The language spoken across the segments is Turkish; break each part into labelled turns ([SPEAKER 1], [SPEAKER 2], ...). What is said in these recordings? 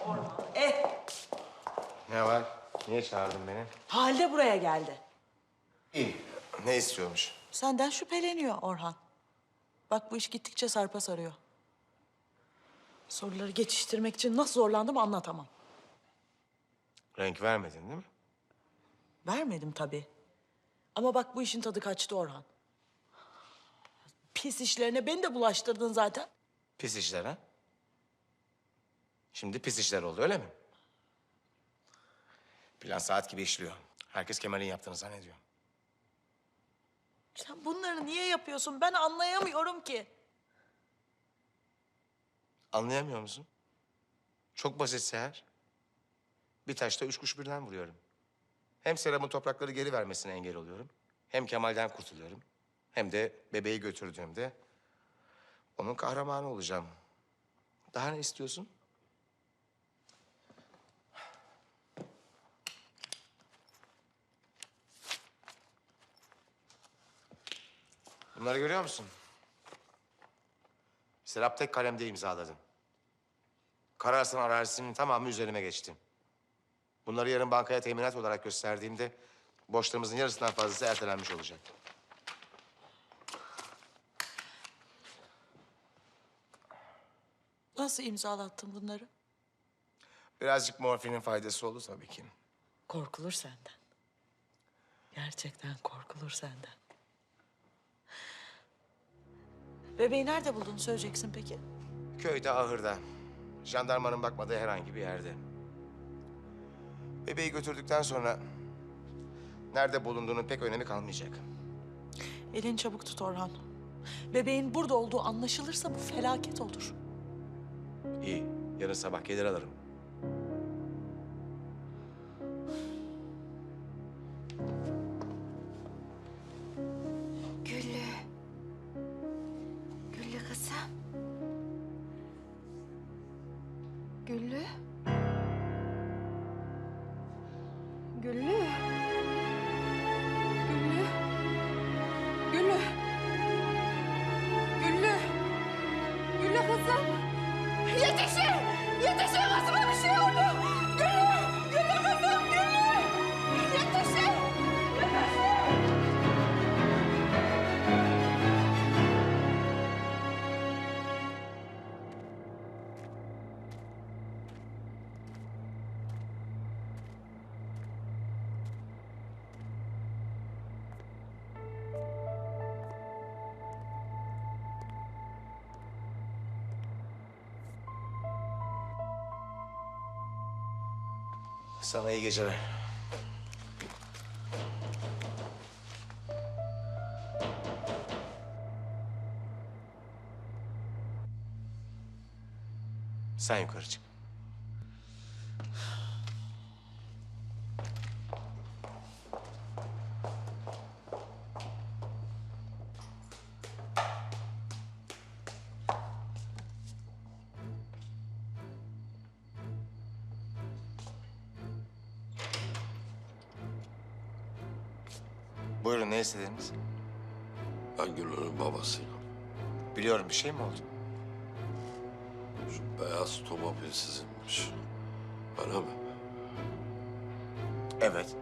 [SPEAKER 1] Orhan.
[SPEAKER 2] Ne var? Niye çağırdın beni?
[SPEAKER 1] Halide buraya geldi.
[SPEAKER 2] İyi. Ne istiyormuş?
[SPEAKER 1] Senden şüpheleniyor Orhan. Bak bu iş gittikçe sarpa sarıyor. Soruları geçiştirmek için nasıl zorlandım anlatamam.
[SPEAKER 2] Renk vermedin değil mi?
[SPEAKER 1] Vermedim tabii. Ama bak bu işin tadı kaçtı Orhan. Pis işlerine beni de bulaştırdın zaten.
[SPEAKER 2] Pis işler ha? Şimdi pis işler oldu öyle mi? Plan saat gibi işliyor. Herkes Kemal'in yaptığını zannediyor.
[SPEAKER 1] Sen bunları niye yapıyorsun? Ben anlayamıyorum ki.
[SPEAKER 2] Anlayamıyor musun? Çok basit Seher. Bir taşta üç kuş birden vuruyorum. Hem Serap'ın toprakları geri vermesine engel oluyorum. Hem Kemal'den kurtuluyorum. Hem de bebeği götürdüğümde onun kahramanı olacağım. Daha ne istiyorsun? Bunları görüyor musun? Serap tek kalemde imzaladı. Kararsın arazisinin tamamı üzerime geçti. Bunları yarın bankaya teminat olarak gösterdiğimde borçlarımızın yarısından fazlası ertelenmiş olacak.
[SPEAKER 1] Nasıl imzalattın bunları?
[SPEAKER 2] Birazcık morfinin faydası oldu tabii ki.
[SPEAKER 1] Korkulur senden. Gerçekten korkulur senden. Bebeği nerede buldun söyleyeceksin peki?
[SPEAKER 2] Köyde, ahırda. Jandarmanın bakmadığı herhangi bir yerde. Bebeği götürdükten sonra nerede bulunduğunun pek önemi kalmayacak.
[SPEAKER 1] Elini çabuk tut Orhan. Bebeğin burada olduğu anlaşılırsa bu felaket olur.
[SPEAKER 2] İyi, yarın sabah gelir alırım.
[SPEAKER 3] Güllü. Güllü kızım. Güllü. Güllü. Güllü. Güllü. Güllü. Güllü kızım. Yetişin! Yetişin kızıma bir şey oldu. Güllü. Güllü kızım. Güllü. Yetişin. Yetişin.
[SPEAKER 2] Sana iyi geceler. Sen yukarı çık. Buyurun, ne istediniz?
[SPEAKER 4] Ben Güllü'nün babasıyım.
[SPEAKER 2] Biliyorum, bir şey mi oldu?
[SPEAKER 4] Şu beyaz otomobil sizinmiş. Öyle mi?
[SPEAKER 2] Evet.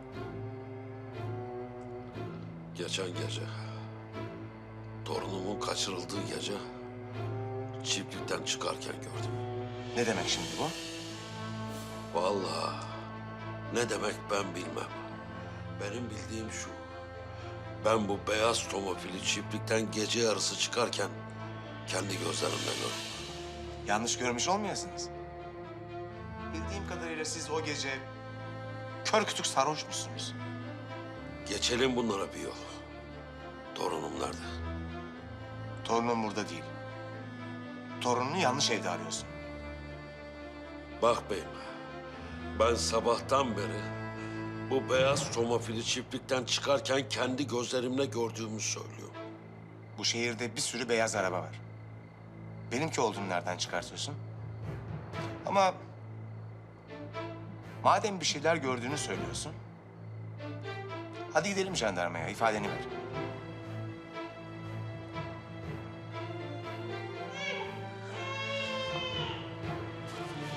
[SPEAKER 4] Geçen gece, torunumun kaçırıldığı gece çiftlikten çıkarken gördüm.
[SPEAKER 2] Ne demek şimdi bu?
[SPEAKER 4] Vallahi ne demek ben bilmem. Benim bildiğim şu. Ben bu beyaz otomobili çiftlikten gece yarısı çıkarken kendi gözlerimle gördüm.
[SPEAKER 2] Yanlış görmüş olmayasınız. Bildiğim kadarıyla siz o gece kör kütük sarhoşmuşsunuz.
[SPEAKER 4] Geçelim bunlara bir yol. Torunum nerede?
[SPEAKER 2] Torunum burada değil. Torununu yanlış evde arıyorsun.
[SPEAKER 4] Bak beyim, ben sabahtan beri bu beyaz tomofili çiftlikten çıkarken kendi gözlerimle gördüğümü söylüyorum.
[SPEAKER 2] Bu şehirde bir sürü beyaz araba var. Benimki olduğunu nereden çıkartıyorsun? Ama madem bir şeyler gördüğünü söylüyorsun, hadi gidelim jandarmaya, ifadeni ver.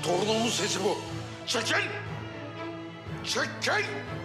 [SPEAKER 4] Torunumun sesi bu. Çekil! Çekil!